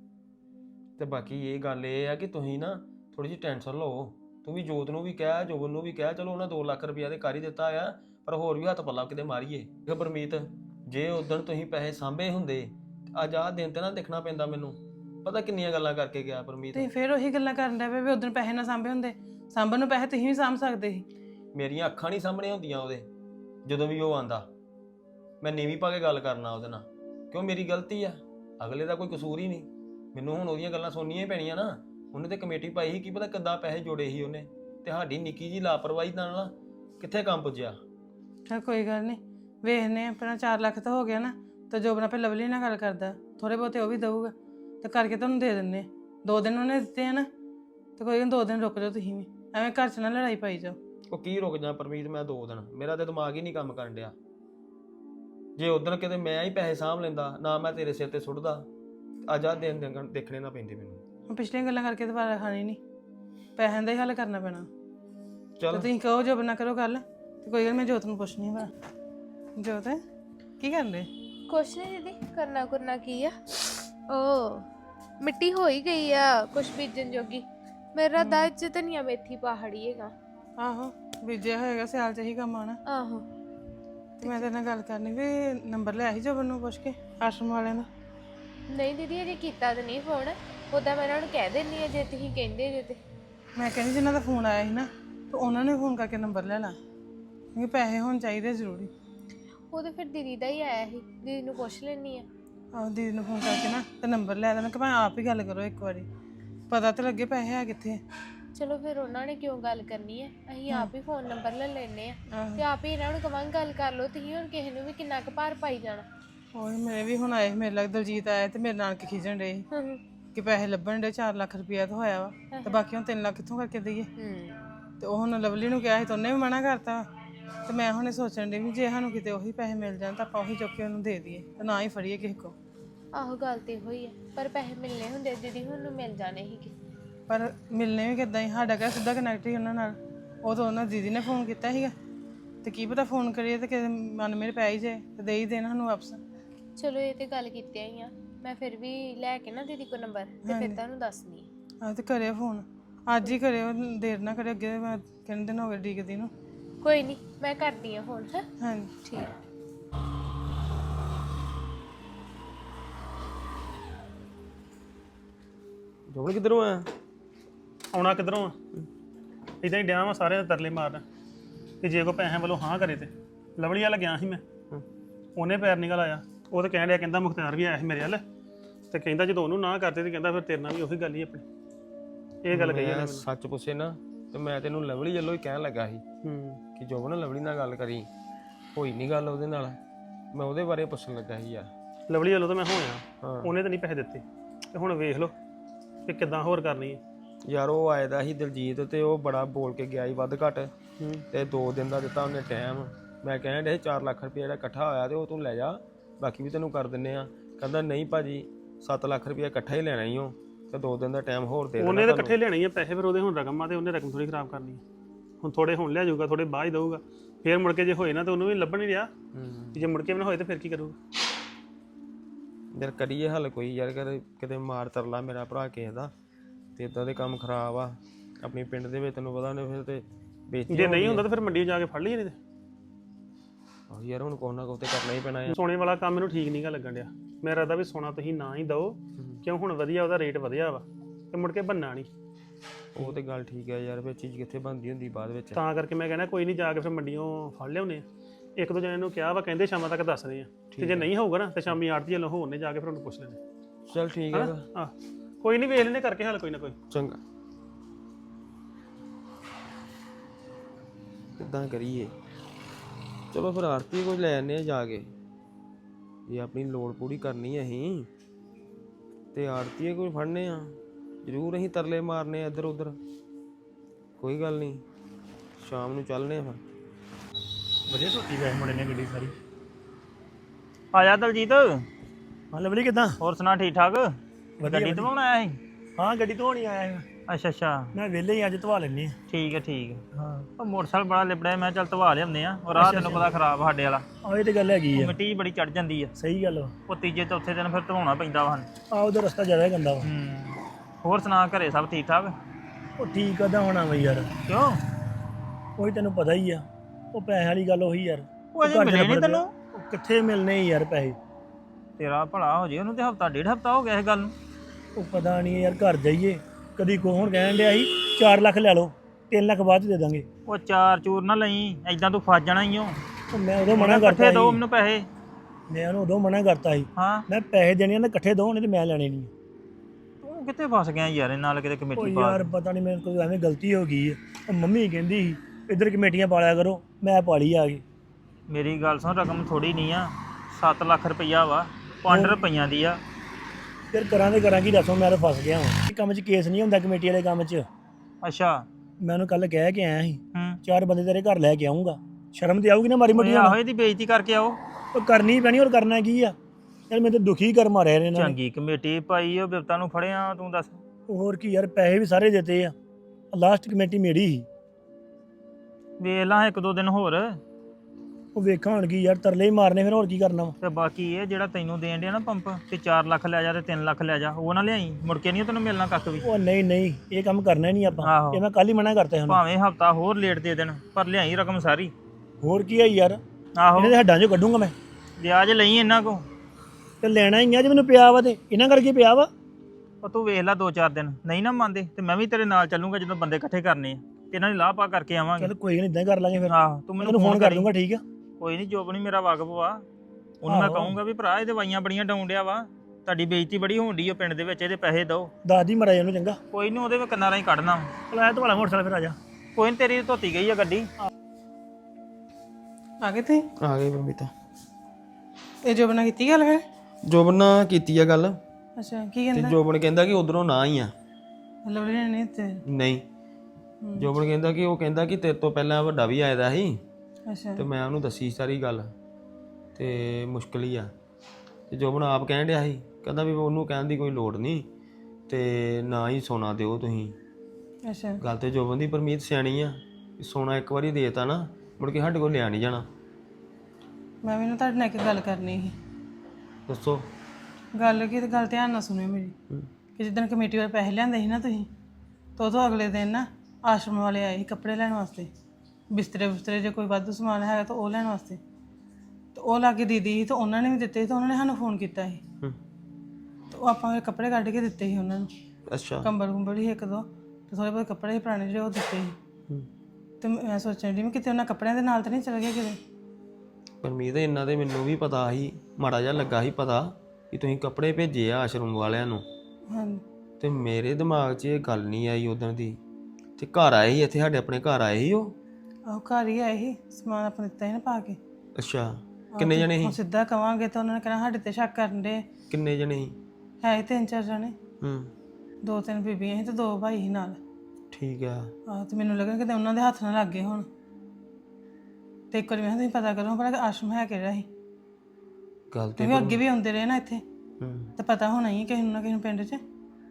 Speaker 2: ਤੇ ਬਾਕੀ ਇਹ ਗੱਲ ਇਹ ਆ ਕਿ ਤੁਸੀਂ ਨਾ ਥੋੜੀ ਜਿਹੀ ਟੈਨਸ਼ਨ ਲਓ। ਤੂੰ ਵੀ ਜੋਤ ਨੂੰ ਵੀ ਕਿਹਾ, ਜੋਬਨ ਨੂੰ ਵੀ ਕਿਹਾ, ਚਲੋ ਉਹਨਾਂ 2 ਲੱਖ ਰੁਪਇਆ ਦੇ ਕਰ ਹੀ ਦਿੱਤਾ ਆ, ਪਰ ਹੋਰ ਵੀ ਹੱਥ ਪੱਲਾ ਕਿਤੇ ਮਾਰੀਏ। ਕਿ ਪਰਮੀਤ, ਜੇ ਉਦੋਂ ਤੁਸੀਂ ਪੈਸੇ ਸਾਂਭੇ ਹੁੰਦੇ, ਅੱਜ ਆਹ ਦਿਨ ਤੇ ਨਾ ਦੇਖਣਾ ਪੈਂਦਾ ਮੈਨੂੰ। ਪਤਾ ਕਿੰਨੀਆਂ ਗੱਲਾਂ ਕਰਕੇ ਗਿਆ ਪਰਮੀਤ।
Speaker 3: ਤੇ ਫਿਰ ਉਹੀ ਗੱਲਾਂ ਕਰਨ ਡਿਆ ਪਏ ਵੀ ਉਦੋਂ ਪੈਸੇ ਨਾ ਸਾਂਭੇ ਹੁੰਦੇ, ਸਾਂਭਣ ਨੂੰ ਪੈਸੇ ਤੁਸੀਂ ਵੀ ਸਾਂਭ ਸਕਦੇ ਸੀ।
Speaker 2: ਮੇਰੀਆਂ ਅੱਖਾਂ ਨਹੀਂ ਸਾਹਮਣੇ ਹੁੰਦੀਆਂ ਉਹਦੇ, ਜਦੋਂ ਵੀ ਉਹ ਆਂਦਾ ਮੈਂ ਨੀਵੀਂ ਪਾ ਕੇ ਗੱਲ ਕਰਨਾ ਉਹਦੇ ਨਾਲ। ਕਿਉਂ ਮੇਰੀ ਗਲਤੀ ਆ? ਅਗਲੇ ਦਾ ਕੋਈ ਕਸੂਰ ਹੀ ਨਹੀਂ, ਮੈਨੂੰ ਹੁਣ ਉਹਦੀਆਂ ਗੱਲਾਂ ਸੁਣਨੀਆਂ ਹੀ ਪੈਣੀਆਂ ਨਾ। ਉਹਨੇ ਤੇ ਕਮੇਟੀ ਪਾਈ ਸੀ, ਕੀ ਪਤਾ ਕਿੱਦਾਂ ਪੈਸੇ ਜੋੜੇ ਸੀ ਉਹਨੇ, ਤੇ ਸਾਡੀ ਨਿੱਕੀ ਜੀ ਲਾਪਰਵਾਹੀ ਨਾਲ ਕਿੱਥੇ ਕੰਮ ਪੁੱਜਿਆ।
Speaker 3: ਚਲ ਕੋਈ ਗੱਲ ਨਹੀਂ, ਵੇਖਨੇ ਆ। ਪਹਿਲਾਂ 4 ਲੱਖ ਤਾਂ ਹੋ ਗਿਆ ਨਾ, ਤੇ ਜੋ ਬਣਾ ਫਿਰ ਲਵਲੀ ਨਾਲ ਗੱਲ ਕਰਦਾ, ਥੋੜੇ ਬਹੁਤੇ ਉਹ ਵੀ ਦਊਗਾ ਤੇ ਕਰਕੇ ਤੁਹਾਨੂੰ ਦੇ ਦਿੰਨੇ। 2 ਦਿਨ ਉਹਨੇ ਦਿੱਤੇ ਆ ਨਾ, ਤੇ ਕੋਈ 2 ਦਿਨ ਰੁਕ ਜਾਓ ਤੁਸੀਂ ਵੀ, ਐਵੇਂ ਘਰ 'ਚ ਨਾ ਲੜਾਈ ਪਾਈ ਜਾਓ।
Speaker 2: ਉਹ ਕੀ ਰੁਕ ਜਾ ਪਰਮੀਤ, ਮੈਂ 2 ਦਿਨ, ਮੇਰਾ ਤੇ ਦਿਮਾਗ ਹੀ ਨਹੀਂ ਕੰਮ ਕਰਨ ਡਿਆ। ਜੇ ਉਦੋਂ ਕਿਤੇ ਮੈਂ ਹੀ ਪੈਸੇ ਸਾਂਭ ਲੈਂਦਾ ਨਾ, ਮੈਂ ਤੇਰੇ ਸਿਰ ਤੇ ਸੁੱਟਦਾ, ਅੱਜ ਆਹ ਦਿਨ ਦੇਖਣੇ ਨਾ ਪੈਂਦੇ ਮੈਨੂੰ।
Speaker 3: ਹੁਣ ਪਿਛਲੀਆਂ ਗੱਲਾਂ ਕਰਕੇ ਦੁਬਾਰਾ ਖਾਣੀ ਨਹੀਂ, ਪੈਸਿਆਂ ਦਾ ਹੀ ਹੱਲ ਕਰਨਾ ਪੈਣਾ।
Speaker 2: ਚਲ
Speaker 3: ਤੁਸੀਂ ਕਹੋ ਜੋ ਬਣਾ ਕਰੋ ਗੱਲ, ਤੇ ਕੋਈ ਗੱਲ ਮੈਂ ਜੋਤ ਨੂੰ ਪੁੱਛਣੀ ਆ। ਜੋਤ ਕੀ ਕਰਦੇ?
Speaker 4: ਕੁਛ ਨਹੀਂ ਦੀਦੀ, ਕਰਨਾ ਕੀ ਆ। ਓ ਮਿੱਟੀ ਹੋ ਹੀ ਗਈ ਆ ਕੁਛ ਬੀਜਣ ਜੋਗੀ। ਮੇਰਾ ਦਾਜ ਧਨੀਆ ਮੇਥੀ ਪਹਾੜੀ ਹੈਗਾ।
Speaker 3: ਆਹੋ ਬੀਜਿਆ ਹੋਏਗਾ, ਸਿਆਲ 'ਚ ਇਹੀ ਕੰਮ ਆਉਣਾ।
Speaker 4: ਆਹੋ
Speaker 3: ਤੇ ਮੈਂ ਤੇਰੇ ਨਾਲ ਗੱਲ ਕਰਨੀ ਵੀ ਨੰਬਰ ਲਿਆ ਸੀ ਜੋਬਨ ਨੂੰ ਪੁੱਛ ਕੇ ਆਸ਼ਰਮ ਵਾਲਿਆਂ ਦਾ।
Speaker 4: ਨਹੀਂ ਦੀਦੀ ਅਜੇ ਕੀਤਾ ਤਾਂ ਨਹੀਂ ਫੋਨ, ਉਦਾਂ ਮੈਂ ਉਹਨਾਂ ਨੂੰ ਕਹਿ ਦਿੰਦੀ ਆ ਜੇ ਤੁਸੀਂ ਕਹਿੰਦੇ ਜੇ ਤੇ।
Speaker 3: ਮੈਂ ਕਹਿੰਦੀ ਜਿਨ੍ਹਾਂ ਦਾ ਫੋਨ ਆਇਆ ਸੀ ਨਾ, ਤੇ ਉਹਨਾਂ ਨੇ ਫੋਨ ਕਰਕੇ ਨੰਬਰ ਲੈ ਲਾ, ਕਿਉਂਕਿ ਪੈਸੇ ਹੋਣ ਚਾਹੀਦੇ ਜ਼ਰੂਰੀ।
Speaker 4: ਉਹ ਤਾਂ ਫਿਰ ਦੀਦੀ ਦਾ ਹੀ ਆਇਆ ਸੀ, ਦੀਦੀ ਨੂੰ ਪੁੱਛ ਲੈਣੀ ਆ।
Speaker 3: ਆਹੋ ਦੀਦੀ ਨੂੰ ਫੋਨ ਕਰਕੇ ਨਾ ਤੇ ਨੰਬਰ ਲੈ ਦੇਣਾ ਕਿ ਮੈਂ ਆਪ ਹੀ ਗੱਲ ਕਰੋ ਇੱਕ ਵਾਰੀ, ਪਤਾ ਤਾਂ ਲੱਗੇ ਪੈਸੇ ਹੈ ਕਿੱਥੇ।
Speaker 4: ਚਲੋ ਫਿਰ ਉਹਨਾਂ ਨੇ ਕਿਉਂ ਗੱਲ ਕਰਨੀ ਹੈ, ਅਸੀਂ ਆਪ ਹੀ ਫੋਨ ਨੰਬਰ ਲੈ ਲੈਨੇ ਆ ਤੇ ਆਪ ਹੀ ਇਹਨਾਂ ਨੂੰ ਕਵਾਂਗੇ ਗੱਲ ਕਰ ਲਓ। ਤੁਸੀਂ ਹੁਣ ਕਿਸੇ ਨੂੰ ਵੀ ਕਿੰਨਾ ਕੁ ਭਾਰ ਪਾਈ ਜਾਣਾ।
Speaker 3: ਉਹ ਮੇਰੇ ਵੀ ਹੁਣ ਆਏ, ਮੇਰੇ ਲੱਗ ਦਲਜੀਤ ਆਇਆ ਤੇ ਮੇਰੇ ਨਾਲ ਖਿਜਣ ਡੇ ਕਿ ਪੈਸੇ ਲੱਭਣ ਡੇ, 4 ਲੱਖ ਰੁਪਇਆ ਤਾਂ ਹੋਇਆ ਵਾ, ਤੇ ਬਾਕੀ ਹੁਣ 3 ਲੱਖ ਕਿੱਥੋਂ ਕਰਕੇ ਦਈਏ। ਤੇ ਉਹ ਹੁਣ ਲਵਲੀ ਨੂੰ ਕਿਹਾ ਸੀ ਤੇ ਉਹਨੇ ਵੀ ਮਨਾ ਕਰਤਾ। ਤੇ ਮੈਂ ਹੁਣ ਸੋਚਣ ਡਈ ਵੀ ਜੇ ਸਾਨੂੰ ਕਿਤੇ ਉਹੀ ਪੈਸੇ ਮਿਲ ਜਾਣ ਤਾਂ ਆਪਾਂ ਉਹੀ ਚੁੱਕ ਕੇ ਉਹਨੂੰ ਦੇ ਦਈਏ ਤੇ ਨਾ ਹੀ ਫੜੀਏ ਕਿਸੇ ਕੋ।
Speaker 4: ਆਹੋ ਗੱਲ ਤੇ ਹੋਈ ਹੈ, ਪਰ ਪੈਸੇ ਮਿਲਨੇ ਹੁੰਦੇ ਦੀਦੀ, ਹੁਣ ਨੂੰ ਮਿਲ ਜਾਣੇ ਸੀਗੇ।
Speaker 3: ਪਰ ਮਿਲਣੇ ਵੀ ਕਿੱਦਾਂ ਹੀ, ਸਾਡਾ ਕਿਹੜਾ ਸਿੱਧਾ ਕਨੈਕਟ ਹੀ ਉਹਨਾਂ ਨਾਲ। ਉਹ ਤਾਂ ਉਹਨਾਂ ਦੀਦੀ ਨੇ ਫੋਨ ਕੀਤਾ ਸੀਗਾ, ਤੇ ਕੀ ਪਤਾ ਫੋਨ ਕਰੀਏ ਤੇ ਕਿਸੇ ਮਨ ਮੇਰੇ ਪੈ ਹੀ ਜਾਏ ਤੇ ਦੇ ਹੀ ਦੇਣ ਸਾਨੂੰ ਵਾਪਸ।
Speaker 4: ਚਲੋ ਇਹ ਤੇ ਗੱਲ ਕੀਤੀ ਹੀ ਆ, ਮੈਂ ਫਿਰ ਵੀ ਲੈ ਕੇ ਨਾ ਦੀਦੀ ਕੋ ਨੰਬਰ ਤੇ ਫਿਰ ਤੁਹਾਨੂੰ ਦੱਸਣੀ ਆ।
Speaker 3: ਆਹ ਤੇ ਕਰਿਓ ਫੋਨ, ਅੱਜ ਹੀ ਕਰਿਓ, ਦੇਰ ਨਾ ਕਰਿਓ, ਅੱਗੇ ਮੈਂ ਕਿੰਨੇ ਦਿਨ ਹੋ ਗਏ ਡੀਕਦੀ ਨੂੰ।
Speaker 4: ਕੋਈ ਨਹੀਂ ਮੈਂ ਕਰਦੀ ਆ ਫੋਨ। ਹਾਂ
Speaker 3: ਹਾਂਜੀ
Speaker 4: ਠੀਕ।
Speaker 2: ਜੋਬਨ ਕਿੱਧਰੋਂ ਆਇਆ?
Speaker 1: ਆਉਣਾ ਕਿੱਧਰੋਂ ਆ? ਇਦਾਂ ਹੀ ਡਿਆ ਵਾ ਸਾਰਿਆਂ ਦੇ ਤਰਲੇ ਮਾਰਨ ਕਿ ਜੇ ਕੋ ਪੈਸਿਆਂ ਵੱਲੋਂ ਹਾਂ ਕਰੇ ਤੇ। ਲਵਲੀ ਵਾਲਾ ਗਿਆ ਸੀ ਮੈਂ, ਉਹਨੇ ਪੈਰ ਨਿਕਲ ਆਇਆ। ਉਹ ਤਾਂ ਕਹਿਣ ਡਿਆ, ਕਹਿੰਦਾ ਮੁਖਤਿਆਰ ਵੀ ਆਇਆ ਸੀ ਮੇਰੇ ਵੱਲ, ਤੇ ਕਹਿੰਦਾ ਜਦੋਂ ਉਹਨੂੰ ਨਾ ਕਰਦੇ ਤੇ ਕਹਿੰਦਾ ਫਿਰ ਤੇਰੇ ਨਾਲ ਵੀ ਉਹੀ ਗੱਲ ਹੀ ਆਪਣੀ। ਇਹ ਗੱਲ ਕਹੀ
Speaker 2: ਮੈਂ ਸੱਚ ਪੁੱਛੇ ਨਾ ਤੇ ਮੈਂ ਤੈਨੂੰ ਲਵਲੀ ਵੱਲੋਂ ਹੀ ਕਹਿਣ ਲੱਗਾ ਸੀ ਕਿ ਜੋਬਨ ਲਵਲੀ ਨਾਲ ਗੱਲ ਕਰੀ। ਹੋਈ ਨਹੀਂ ਗੱਲ ਉਹਦੇ ਨਾਲ, ਮੈਂ ਉਹਦੇ ਬਾਰੇ ਪੁੱਛਣ ਲੱਗਾ ਸੀ ਯਾਰ।
Speaker 1: ਲਵਲੀ ਵੱਲੋਂ ਤਾਂ ਮੈਂ ਹੋਇਆ, ਉਹਨੇ ਤਾਂ ਨਹੀਂ ਪੈਸੇ ਦਿੱਤੇ, ਤੇ ਹੁਣ ਵੇਖ ਲਓ ਕਿ ਕਿੱਦਾਂ ਹੋਰ ਕਰਨੀ ਹੈ।
Speaker 2: ਯਾਰ ਉਹ ਆਇਦਾ ਸੀ ਦਲਜੀਤ, ਤੇ ਉਹ ਬੜਾ ਬੋਲ ਕੇ ਗਿਆ ਸੀ ਵੱਧ ਘੱਟ, ਤੇ 2 ਦਿਨ ਦਾ ਦਿੱਤਾ ਉਹਨੇ ਟਾਈਮ। ਮੈਂ ਕਹਿਣ ਡਿਆ 4 ਲੱਖ ਰੁਪਇਆ ਜਿਹੜਾ ਇਕੱਠਾ ਹੋਇਆ ਤੇ ਉਹ ਤੂੰ ਲੈ ਜਾ, ਬਾਕੀ ਵੀ ਤੈਨੂੰ ਕਰ ਦਿੰਨੇ ਆ। ਕਹਿੰਦਾ ਨਹੀਂ ਭਾਜੀ 7 ਲੱਖ ਰੁਪਇਆ ਇਕੱਠਾ ਹੀ ਲੈਣਾ ਹੀ ਉਹ, ਤੇ 2 ਦਿਨ ਦਾ ਟਾਈਮ ਹੋਰ ਦੇ ਦੇਣਾ।
Speaker 1: ਉਹਨੇ ਤਾਂ ਇਕੱਠੇ ਲੈਣੇ ਹੀ ਆ ਪੈਸੇ, ਫਿਰ ਉਹਦੇ ਹੁਣ ਰਕਮ ਆ ਤੇ ਉਹਨੇ ਰਕਮ ਥੋੜੀ ਖਰਾਬ ਕਰਨੀ ਹੈ। ਹੁਣ ਥੋੜੇ ਹੁਣ ਲਿਆ ਜਾਊਗਾ, ਥੋੜੇ ਬਾਅਦ ਹੀ ਦਊਗਾ, ਫਿਰ ਮੁੜ ਕੇ ਜੇ ਹੋਏ ਨਾ ਤਾਂ ਉਹਨੂੰ ਵੀ ਲੱਭਣ ਨਹੀਂ ਰਿਹਾ। ਜੇ ਮੁੜ ਕੇ ਵੀ ਨਾ ਹੋਏ ਤਾਂ ਫਿਰ ਕੀ ਕਰੂਗਾ?
Speaker 2: ਯਾਰ ਕਰੀਏ ਹੱਲ ਕੋਈ ਯਾਰ, ਕਿਤੇ ਮਾਰ ਤਰਲਾ ਮੇਰਾ ਭਰਾ ਕਿਸੇ ਦਾ, ਤੇ ਇਦਾਂ ਦੇ ਕੰਮ ਖਰਾਬ ਆ ਆਪਣੀ ਪਿੰਡ ਦੇ ਵਿੱਚ, ਤੈਨੂੰ ਪਤਾ ਉਹਨੇ ਫਿਰ ਤੇ ਬੇਇੱਜ਼ਤੀ।
Speaker 1: ਜੇ ਨਹੀਂ ਹੁੰਦਾ ਤਾਂ ਫਿਰ ਮੰਡੀ ਜਾ ਕੇ ਫੜ ਲਈਏ ਨਹੀਂ ਤੇ।
Speaker 2: ਆਹ ਯਾਰ ਹੁਣ ਕੋਈ ਨਾ ਕੋਈ ਤੇ ਕਰਨਾ ਹੀ ਪੈਣਾ ਆ।
Speaker 1: ਸੋਨੇ ਵਾਲਾ ਕੰਮ ਮੈਨੂੰ ਠੀਕ ਨਹੀਂ ਗਾ ਲੱਗਣ ਡਿਆ। ਮੇਰਾ ਤਾਂ ਵੀ ਸੋਨਾ ਤੁਸੀਂ ਨਾ ਹੀ ਦਿਓ, ਕਿਉਂ ਹੁਣ ਵਧੀਆ ਉਹਦਾ ਰੇਟ ਵਧਿਆ ਵਾ ਤੇ ਮੁੜ ਕੇ ਬੰਨਾ ਨਹੀਂ।
Speaker 2: ਉਹ ਤੇ ਗੱਲ ਠੀਕ ਹੈ ਯਾਰ, ਫਿਰ ਚੀਜ਼ ਕਿੱਥੇ ਬਣਦੀ ਹੁੰਦੀ ਬਾਅਦ ਵਿੱਚ।
Speaker 1: ਤਾਂ ਕਰਕੇ ਮੈਂ ਕਹਿੰਦਾ ਕੋਈ ਨਹੀਂ, ਜਾ ਕੇ ਫਿਰ ਮੰਡੀੋਂ ਫੜ ਲਿਆਉਂਦੇ ਆ। 1-2 ਜਣੇ ਨੂੰ ਕਿਹਾ ਵਾ, ਕਹਿੰਦੇ ਸ਼ਾਮਾਂ ਤੱਕ ਦੱਸਦੇ ਆ, ਤੇ ਜੇ ਨਹੀਂ ਹੋਊਗਾ ਨਾ ਤੇ ਸ਼ਾਮੀ ਆੜਤੀ ਵੱਲੋਂ ਹੋਣੇ ਜਾ ਕੇ ਫਿਰ ਉਹਨੂੰ ਪੁੱਛ ਲੈਣੇ।
Speaker 2: ਚੱਲ ਠੀਕ ਹੈ
Speaker 1: ਆਹ ਕੋਈ ਨਹੀਂ, ਵੇਖ ਲੈਣੇ ਕਰਕੇ ਹੱਲ ਕੋਈ ਨਾ ਕੋਈ।
Speaker 2: ਚੰਗਾ ਕਿੱਦਾਂ ਕਰੀਏ? ਚਲੋ ਫਿਰ ਆਰਤੀ ਕੁਝ ਲੈ ਆਨੇ ਆ ਜਾ ਕੇ, ਇਹ ਆਪਣੀ ਲੋੜ ਪੂਰੀ ਕਰਨੀ ਹੈ ਅਸੀਂ। ਤੇ ਆੜਤੀਏ ਕੋਈ ਫੜਨੇ ਆ ਜ਼ਰੂਰ ਅਸੀਂ ਤਰਲੇ ਮਾਰਨੇ ਆ ਇੱਧਰ ਉੱਧਰ। ਕੋਈ ਗੱਲ ਨਹੀਂ, ਸ਼ਾਮ ਨੂੰ ਚੱਲਨੇ ਆ ਫਿਰ।
Speaker 1: ਵਧੀਆ ਧੋਤੀ ਵੈਸੇ ਮੁੰਡੇ ਨੇ ਗੱਡੀ ਸਾਰੀ।
Speaker 5: ਆ ਜਾ ਦਲਜੀਤ,
Speaker 1: ਹਾਂ ਲਵਲੀ ਕਿਦਾਂ?
Speaker 5: ਹੋਰ ਸੁਣਾ ਠੀਕ ਠਾਕ? ਗੱਡੀ ਧਵਾਉਣ ਆਇਆ ਸੀ?
Speaker 1: ਹਾਂ ਗੱਡੀ ਧੋਣੀ ਆਇਆ ਹਾਂ।
Speaker 5: ਅੱਛਾ ਅੱਛਾ,
Speaker 1: ਮੈਂ ਵਿਹਲੇ ਹੀ ਅੱਜ ਧਵਾ ਲੈਣੀ ਆ।
Speaker 5: ਠੀਕ ਹੈ ਠੀਕ ਹੈ।
Speaker 1: ਹਾਂ
Speaker 5: ਉਹ ਮੋਟਰਸਾਈਕਲ ਬੜਾ ਲਿਬੜਿਆ, ਮੈਂ ਚੱਲ ਧਵਾ ਲਿਆਉਂਦੇ ਆ। ਔਰ ਰਾਹ ਤੈਨੂੰ ਪਤਾ ਖਰਾਬ ਸਾਡੇ ਵਾਲਾ,
Speaker 1: ਆਹ ਇਹ ਤੇ ਗੱਲ ਹੈਗੀ ਆ,
Speaker 5: ਮਿੱਟੀ ਬੜੀ ਚੜ ਜਾਂਦੀ ਆ।
Speaker 1: ਸਹੀ ਗੱਲ ਵਾ।
Speaker 5: ਉਹ ਤੀਜੇ ਚੌਥੇ ਦਿਨ ਫਿਰ ਧਵਾਉਣਾ ਪੈਂਦਾ ਵਾ ਸਾਨੂੰ।
Speaker 1: ਆਹ ਉਹਦਾ ਰਸਤਾ ਜ਼ਿਆਦਾ ਗੰਦਾ ਵਾ।
Speaker 5: ਹੋਰ ਸੁਣਾ, ਘਰੇ ਸਭ ਠੀਕ ਠਾਕ?
Speaker 1: ਉਹ ਠੀਕ ਕਦਾ ਹੋਣਾ ਵਾ ਯਾਰ,
Speaker 5: ਕਿਉਂ?
Speaker 1: ਉਹੀ ਤੈਨੂੰ ਪਤਾ ਹੀ ਆ, ਉਹ ਪੈਸੇ ਵਾਲੀ ਗੱਲ ਉਹੀ ਯਾਰ।
Speaker 5: ਉਹ ਅਜੇ
Speaker 1: ਘਰ 'ਚ
Speaker 5: ਮਿਲੇ ਨਹੀਂ
Speaker 1: ਲੱਭਦੇ
Speaker 5: ਤੈਨੂੰ?
Speaker 1: ਆ। ਉਹ ਕਿੱਥੇ ਮਿਲਨੇ ਯਾਰ ਪੈਸੇ?
Speaker 5: ਤੇਰਾ ਭਲਾ ਹੋ ਜੇ, ਉਹਨੂੰ ਤੇ ਹਫਤਾ ਡੇਢ ਹਫਤਾ ਹੋ ਗਿਆ ਇਸ ਗੱਲ ਨੂੰ।
Speaker 1: ਉਹ ਪਤਾ ਨਹੀਂ ਯਾਰ, ਘਰ ਜਾਈਏ ਕਦੀ ਕੋ ਹੁਣ ਕਹਿਣ ਡਿਆ ਸੀ 4 ਲੱਖ ਲੈ ਲਓ, 3 ਲੱਖ ਬਾਅਦ 'ਚ ਦੇ ਦਾਂਗੇ।
Speaker 5: ਉਹ ਚਾਰ ਚੂਰ ਨਾ ਲਈ, ਐਦਾਂ ਤੂੰ ਫਸ ਜਾਣਾ ਹੀ ਓ।
Speaker 1: ਉਹ ਮੈਂ ਉਦੋਂ ਮਨਾ ਕਰਤਾ
Speaker 5: ਇਕੱਠੇ ਦੋ
Speaker 1: ਸੀ,
Speaker 5: ਮੈਨੂੰ ਪੈਸੇ।
Speaker 1: ਮੈਂ ਉਹਨੂੰ ਉਦੋਂ ਮਨਾ ਕਰਤਾ ਸੀ,
Speaker 5: ਹਾਂ,
Speaker 1: ਮੈਂ ਪੈਸੇ ਦੇਣੇ ਨੇ ਇਕੱਠੇ ਦੋ, ਨਹੀਂ ਤੇ ਮੈਂ ਲੈਣੇ ਨਹੀਂ।
Speaker 5: ਤੂੰ ਕਿੱਥੇ ਫਸ ਗਿਆ ਯਾਰ, ਇਹ ਨਾਲ ਕਿਤੇ
Speaker 1: ਉਹ
Speaker 5: ਕਮੇਟੀ ਪਾ
Speaker 1: ਯਾਰ ਪਤਾ ਨਹੀਂ ਮੇਰੇ ਕੋਲ ਐਵੇਂ ਗਲਤੀ ਹੋ ਗਈ ਹੈ। ਉਹ ਮੰਮੀ ਕਹਿੰਦੀ ਸੀ ਇੱਧਰ ਕਮੇਟੀਆਂ ਪਾਲਿਆ ਕਰੋ, ਮੈਂ ਪਾਲੀ ਆ ਗਈ।
Speaker 5: ਮੇਰੀ ਗੱਲ ਸੁਣ, ਰਕਮ ਥੋੜੀ ਨਹੀਂ ਆ, 7 ਲੱਖ ਰੁਪਈਆ ਵਾ, 5 ਰੁਪਈਆਂ ਦੀ ਆ।
Speaker 1: ਫਿਰ ਕਰਾਂ ਤੇ ਕਰਾਂ ਕੀ, ਦੱਸੋ ਮੈਂ ਤਾਂ ਫਸ ਗਿਆ ਹਾਂ। ਇਹ ਕੰਮ 'ਚ ਕੇਸ ਨਹੀਂ ਹੁੰਦਾ ਕਮੇਟੀ ਵਾਲੇ ਕੰਮ 'ਚ।
Speaker 5: ਅੱਛਾ।
Speaker 1: ਮੈਂ ਉਹਨੂੰ ਕੱਲ ਕਹਿ ਕੇ ਆਇਆ ਸੀ
Speaker 5: ਹੂੰ।
Speaker 1: 4 ਬੰਦੇ ਤੇਰੇ ਘਰ ਲੈ ਕੇ ਆਉਂਗਾ, ਸ਼ਰਮ ਤੇ ਆਊਗੀ ਨਾ ਮਾਰੀ ਮੋਟੀ?
Speaker 5: ਆਹੋ, ਇਹਦੀ ਬੇਇੱਜ਼ਤੀ ਕਰਕੇ ਆਓ।
Speaker 1: ਉਹ ਕਰਨੀ ਪੈਣੀ, ਹੋਰ ਕਰਨਾ ਕੀ ਆ ਯਾਰ, ਮੈਂ ਤਾਂ ਦੁਖੀ ਕਰ ਮਾਰਿਆ ਇਹਨਾਂ ਨੇ।
Speaker 5: ਚੰਗੀ ਕਮੇਟੀ ਪਾਈ, ਉਹ ਬਿਪਤਾ ਨੂੰ ਫੜਿਆ ਤੂੰ, ਦੱਸ।
Speaker 1: ਹੋਰ ਕੀ ਯਾਰ, ਪੈਸੇ ਵੀ ਸਾਰੇ ਦਿੱਤੇ ਆ, ਲਾਸਟ ਕਮੇਟੀ ਮੇਰੀ ਸੀ।
Speaker 5: ਵੇਖ ਲਾਂ 1-2 ਦਿਨ ਹੋਰ,
Speaker 1: ਉਹ ਵੇਖਾਂ ਹੁਣ ਕੀ ਯਾਰ, ਤਰਲੇ ਹੀ ਮਾਰਨੇ, ਫਿਰ ਹੋਰ ਕੀ ਕਰਨਾ ਵਾ।
Speaker 5: ਤੇ ਬਾਕੀ ਇਹ ਜਿਹੜਾ ਤੈਨੂੰ ਦੇਣ ਡਿਆ ਨਾ ਪੰਪ, ਤੇ 4 ਲੱਖ ਲੈ ਜਾ ਤੇ 3 ਲੱਖ ਲੈ ਜਾ, ਉਹ ਨਾ ਲਿਆਈ, ਮੁੜ ਕੇ ਨਹੀਂ ਤੈਨੂੰ ਮਿਲਣਾ ਕੱਖ ਵੀ।
Speaker 1: ਉਹ ਨਹੀਂ ਨਹੀਂ, ਇਹ ਕੰਮ ਕਰਨਾ ਹੀ ਨਹੀਂ ਆਪਾਂ,
Speaker 5: ਆਹੋ।
Speaker 1: ਇਹ ਮੈਂ ਕੱਲ ਹੀ ਮਨਾ ਕਰਤਾ ਹੁਣ।
Speaker 5: ਭਾਵੇਂ ਹਫਤਾ ਹੋਰ ਲੇਟ ਦੇ ਦੇਣ, ਪਰ ਲਿਆਈ ਰਕਮ ਸਾਰੀ।
Speaker 1: ਹੋਰ ਕੀ ਆ ਯਾਰ,
Speaker 5: ਆਹੋ,
Speaker 1: ਇਹਨਾਂ ਦੇ ਹੱਡਾਂ 'ਚੋਂ ਕੱਢੂੰਗਾ ਮੈਂ।
Speaker 5: ਵਿਆਜ ਲਈ ਇਹਨਾਂ ਕੋ।
Speaker 1: ਤੇ ਲੈਣਾ ਹੀ ਆ ਜੇ ਮੈਨੂੰ ਪਿਆ ਵਾ, ਤੇ ਇਹਨਾਂ ਕਰਕੇ ਪਿਆ ਵਾ।
Speaker 5: ਉਹ ਤੂੰ ਵੇਖ ਲੈ 2-4 ਦਿਨ ਨਹੀਂ ਨਾ ਮੰਨਦੇ ਤੇ ਮੈਂ ਵੀ ਤੇਰੇ ਨਾਲ ਚੱਲੂੰਗਾ, ਜਦੋਂ ਬੰਦੇ ਇਕੱਠੇ ਕਰਨੇ ਆ ਤੇ ਇਹਨਾਂ ਦੀ ਲਾਹ ਪਾ ਕਰਕੇ ਆਵਾਂਗੇ।
Speaker 1: ਚਲ ਕੋਈ ਨਹੀਂ, ਇਦਾਂ ਕਰ ਲਾਂਗੇ ਫਿਰ।
Speaker 5: ਆਹੋ, ਤੂੰ ਮੈਨੂੰ
Speaker 1: ਮੈਨੂੰ ਫੋਨ ਕਰ
Speaker 5: ਕਰੀ।
Speaker 1: ਦੂੰਗਾ, ਠੀਕ ਆ?
Speaker 5: ਕੋਈ ਨਹੀਂ, ਜੋਬ ਨਹੀਂ ਮੇਰਾ ਵਾਕਫ ਵਾ, ਉਹਨੂੰ ਮੈਂ
Speaker 1: ਆਹੋ।
Speaker 5: ਕਹੂੰਗਾ ਵੀ ਭਰਾ ਇਹ ਦਵਾਈਆਂ ਬੜੀਆਂ ਡਾਉਣ ਡਿਆ ਵਾ, ਤੁਹਾਡੀ ਬੇਇੱਜ਼ਤੀ ਬੜੀ ਹੋਣ ਡਈ ਆ ਪਿੰਡ ਦੇ ਵਿੱਚ, ਇਹਦੇ ਪੈਸੇ ਦਿਓ।
Speaker 1: ਦਾਦੀ ਮਰਾ ਜਾਨੂੰ ਚੰਗਾ।
Speaker 5: ਕੋਈ ਨਹੀਂ, ਉਹਦੇ ਵਿੱਚ ਕੰਨਾਂ ਰਾਹੀਂ ਕੱਢਣਾ।
Speaker 1: ਚਲ ਆਇਆ ਤੁਹਾਡਾ ਮੋਟਰਸਾਈਕਲ, ਫਿਰ ਆ ਜਾ।
Speaker 5: ਕੋਈ ਨੀ, ਤੇਰੀ ਧੋਤੀ ਗਈ ਆ ਗੱਡੀ।
Speaker 3: ਆ ਗਏ ਤੁਸੀਂ?
Speaker 2: ਆ ਗਏ ਬੰਬੀਤਾ।
Speaker 3: ਇਹ ਜੋਬਨਾ ਕੀਤੀ ਗੱਲ ਫਿਰ?
Speaker 2: ਜੋਬਨ ਨਾਲ ਕੀਤੀ ਆ ਗੱਲ,
Speaker 3: ਅੱਛਾ, ਕੀ
Speaker 2: ਤੇ
Speaker 3: ਕਹਿੰਦਾ?
Speaker 2: ਜੋਬਨ ਕਹਿੰਦਾ ਕਿ ਉਧਰੋਂ ਨਾ ਹੀ ਆ।
Speaker 3: ਲਵਲੀ ਨੇ ਨਹੀਂ ਤੇ?
Speaker 2: ਨਹੀਂ, ਜੋਬਨ ਕਹਿੰਦਾ ਕਿ ਉਹ ਕਹਿੰਦਾ ਕਿ ਤੇਰੇ ਤੋਂ ਪਹਿਲਾਂ ਵੱਡਾ ਵੀ ਆਇਦਾ ਸੀ,
Speaker 3: ਅੱਛਾ।
Speaker 2: ਤੇ ਮੈਂ ਉਹਨੂੰ ਦੱਸੀ ਸਾਰੀ ਗੱਲ, ਤੇ ਮੁਸ਼ਕਲ ਹੀ ਆ। ਤੇ ਜੋਬਨ ਆਪ ਕਹਿਣ ਡਿਆ ਸੀ, ਕਹਿੰਦਾ ਵੀ ਉਹਨੂੰ ਕਹਿਣ ਦੀ ਕੋਈ ਲੋੜ ਨਹੀਂ, ਤੇ ਨਾ ਹੀ ਸੋਨਾ ਦਿਓ ਤੁਸੀਂ।
Speaker 3: ਅੱਛਾ।
Speaker 2: ਗੱਲ ਤੇ ਜੋਬਨ ਦੀ ਪਰਮੀਤ ਸਿਆਣੀ ਆ, ਸੋਨਾ ਇੱਕ ਵਾਰੀ ਦੇਤਾ ਨਾ, ਮੁੜ ਕੇ ਸਾਡੇ ਕੋਲ ਲਿਆ ਨਹੀਂ ਜਾਣਾ।
Speaker 3: ਮੈਂ ਵੀ ਨਾ ਤੁਹਾਡੇ ਨਾਲ ਇੱਕ ਗੱਲ ਕਰਨੀ ਸੀ।
Speaker 2: ਦੱਸੋ।
Speaker 3: ਗੱਲ ਕੀ, ਤੇ ਗੱਲ ਧਿਆਨ ਨਾਲ ਸੁਣਿਓ ਮੇਰੀ। ਕਿ ਜਿੱਦਣ ਕਮੇਟੀ ਵਾਲੇ ਪੈਸੇ ਲਿਆਂਦੇ ਸੀ ਨਾ ਤੁਸੀਂ, ਤਾਂ ਉਹ ਤੋਂ ਅਗਲੇ ਦਿਨ ਨਾ ਆਸ਼ਰਮ ਵਾਲੇ ਆਏ ਸੀ ਕੱਪੜੇ ਲੈਣ ਵਾਸਤੇ, ਬਿਸਤਰੇ ਜੇ ਕੋਈ ਵਾਧੂ ਸਮਾਨ ਹੈਗਾ ਤਾਂ ਉਹ ਲੈਣ ਵਾਸਤੇ। ਤੇ ਉਹ ਲਾਗੇ ਦੀਦੀ ਸੀ, ਤਾਂ ਉਹਨਾਂ ਨੇ ਵੀ ਦਿੱਤੇ ਸੀ, ਤਾਂ ਉਹਨਾਂ ਨੇ ਸਾਨੂੰ ਫੋਨ ਕੀਤਾ ਸੀ। ਤਾਂ ਉਹ ਆਪਾਂ ਫਿਰ ਕੱਪੜੇ ਕੱਢ ਕੇ ਦਿੱਤੇ ਸੀ ਉਹਨਾਂ ਨੂੰ।
Speaker 2: ਅੱਛਾ।
Speaker 3: ਕੰਬਲ ਕੁੰਬਲ ਹੀ 1-2, ਤੇ ਥੋੜੇ ਬਹੁਤ ਕੱਪੜੇ ਸੀ ਪੁਰਾਣੇ ਜਿਹੜੇ ਉਹ ਦਿੱਤੇ ਸੀ। ਤੇ ਮੈਂ ਸੋਚਣ ਦੀ ਮੈਂ ਕਿਤੇ ਉਹਨਾਂ ਕੱਪੜਿਆਂ ਦੇ ਨਾਲ ਤਾਂ ਨਹੀਂ ਚਲ ਗਏ ਕਿਤੇ।
Speaker 2: ਪਰਮੀਤ ਇੰਨਾ ਤੇ ਮੈਨੂੰ ਵੀ ਪਤਾ ਸੀ, ਮਾੜਾ ਜਿਹਾ ਲੱਗਾ ਸੀ ਪਤਾ ਕਿ ਤੁਸੀਂ ਕੱਪੜੇ ਭੇਜੇ ਆ ਆਸ਼ਰਮ ਵਾਲਿਆਂ ਨੂੰ,
Speaker 3: ਹਾਂਜੀ।
Speaker 2: ਤੇ ਮੇਰੇ ਦਿਮਾਗ 'ਚ ਇਹ ਗੱਲ ਨਹੀਂ ਆਈ ਉਦੋਂ ਦੀ। ਤੇ ਘਰ ਆਏ ਸੀ, ਇੱਥੇ ਸਾਡੇ ਆਪਣੇ ਘਰ ਆਏ ਸੀ ਉਹ?
Speaker 3: ਆਹੋ, ਘਰ ਹੀ ਆਏ ਸੀ, ਸਮਾਨ ਆਪਾਂ ਦਿੱਤਾ ਸੀ ਨਾ ਪਾ ਕੇ।
Speaker 2: ਅੱਛਾ, ਕਿੰਨੇ ਜਣੇ
Speaker 3: ਹੁਣ
Speaker 2: ਸੀ?
Speaker 3: ਸਿੱਧਾ ਕਵਾਂਗੇ ਤਾਂ ਉਹਨਾਂ ਨੇ ਕਹਿਣਾ ਸਾਡੇ ਤੇ ਸ਼ੱਕ ਕਰਨ ਦੇ।
Speaker 2: ਕਿੰਨੇ ਜਣੇ ਸੀ?
Speaker 3: ਹੈ ਹੀ 3-4 ਜਣੇ, 2-3 ਬੀਬੀਆਂ ਸੀ ਤੇ 2 ਭਾਈ ਸੀ ਨਾਲ।
Speaker 2: ਠੀਕ ਆ।
Speaker 3: ਆਹ ਤੇ ਮੈਨੂੰ ਲੱਗਾ ਕਿ ਉਹਨਾਂ ਦੇ ਹੱਥ ਨਾਲ ਲੱਗ ਗਏ ਹੁਣ। ਤੇ ਇੱਕ ਵਾਰੀ ਮੈਂ ਕਿਹਾ ਤੁਸੀਂ ਪਤਾ ਕਰੋ ਭਲਾ ਆਸ਼ਰਮ ਹੈ ਕਿਹੜਾ ਸੀ,
Speaker 2: ਗੱਲ ਤੇ
Speaker 3: ਕਿਉਂਕਿ ਅੱਗੇ ਵੀ ਆਉਂਦੇ ਰਹੇ ਨਾ ਇੱਥੇ,
Speaker 2: ਹੂੰ।
Speaker 3: ਤੇ ਪਤਾ ਹੋਣਾ ਹੀ ਕਿਸੇ ਨੂੰ ਨਾ ਕਿਸੇ ਨੂੰ ਪਿੰਡ 'ਚ।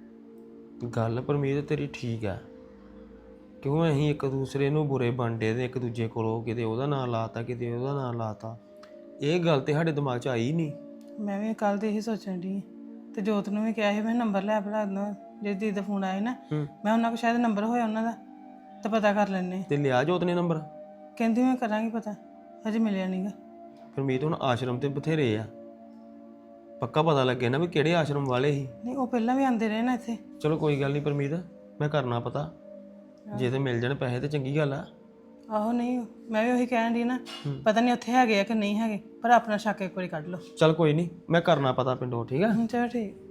Speaker 2: ਗੱਲ ਪਰਮੀਤ ਤੇਰੀ ਠੀਕ ਆ, ਕਿਉਂ ਅਸੀਂ ਇੱਕ ਦੂਸਰੇ ਨੂੰ ਬੁਰੇ ਬਣਦੇ ਤੇ ਇੱਕ ਦੂਜੇ ਕੋਲੋਂ ਕਿਤੇ ਉਹਦਾ ਨਾਂ ਲਾਤਾ, ਕਿਤੇ ਉਹਦਾ ਨਾਂ ਲਾਤਾ। ਇਹ ਗੱਲ ਤੇ ਸਾਡੇ ਦਿਮਾਗ 'ਚ ਆਈ ਨਹੀਂ।
Speaker 3: ਮੈਂ ਵੀ ਕੱਲ ਦੇ ਇਹੀ ਸੋਚਣ ਦੀ, ਤੇ ਜੋਤ ਨੂੰ ਵੀ ਕਿਹਾ ਸੀ ਮੈਂ ਨੰਬਰ ਲੈ ਭਲਾ ਦਿੰਦਾ, ਜੇ ਦੀਦੀ ਦਾ ਫੋਨ ਆਇਆ ਨਾ, ਮੈਂ ਉਹਨਾਂ ਕੋਲ ਸ਼ਾਇਦ ਨੰਬਰ ਹੋਇਆ ਉਹਨਾਂ ਦਾ, ਤਾਂ ਪਤਾ ਕਰ ਲੈਣੇ।
Speaker 2: ਤੇ ਲਿਆ ਜੋਤ ਨੇ ਨੰਬਰ?
Speaker 3: ਕਹਿੰਦੀ ਮੈਂ ਕਰਾਂਗੀ ਪਤਾ, ਹਜੇ ਮਿਲਿਆ ਨਹੀਂਗਾ।
Speaker 2: ਪਰਮੀਤ ਹੁਣ ਆਸ਼ਰਮ ਤੇ ਬਥੇਰੇ ਆ, ਪੱਕਾ ਪਤਾ ਲੱਗੇ ਨਾ ਵੀ ਕਿਹੜੇ ਆਸ਼ਰਮ ਵਾਲੇ ਸੀ।
Speaker 3: ਨਹੀਂ, ਉਹ ਪਹਿਲਾਂ ਵੀ ਆਉਂਦੇ ਰਹੇ ਨਾ ਇੱਥੇ।
Speaker 2: ਚਲੋ ਕੋਈ ਗੱਲ ਨਹੀਂ ਪਰਮੀਤ, ਮੈਂ ਕਰਨਾ ਪਤਾ, ਜੇ ਤੇ ਮਿਲ ਜਾਣ ਪੈਸੇ ਤੇ ਚੰਗੀ ਗੱਲ ਆ।
Speaker 3: ਆਹੋ, ਨਹੀਂ ਮੈਂ ਵੀ ਉਹੀ ਕਹਿਣ ਦੀ ਨਾ, ਪਤਾ ਨਹੀਂ ਉੱਥੇ ਹੈਗੇ ਆ ਕਿ ਨਹੀਂ ਹੈਗੇ, ਪਰ ਆਪਣਾ ਸ਼ੱਕ ਇੱਕ ਵਾਰੀ ਕੱਢ ਲਓ।
Speaker 2: ਚਲ ਕੋਈ ਨਹੀਂ, ਮੈਂ ਕਰਨਾ ਪਤਾ ਪਿੰਡੋਂ, ਠੀਕ ਆ?
Speaker 3: ਚਲੋ ਠੀਕ।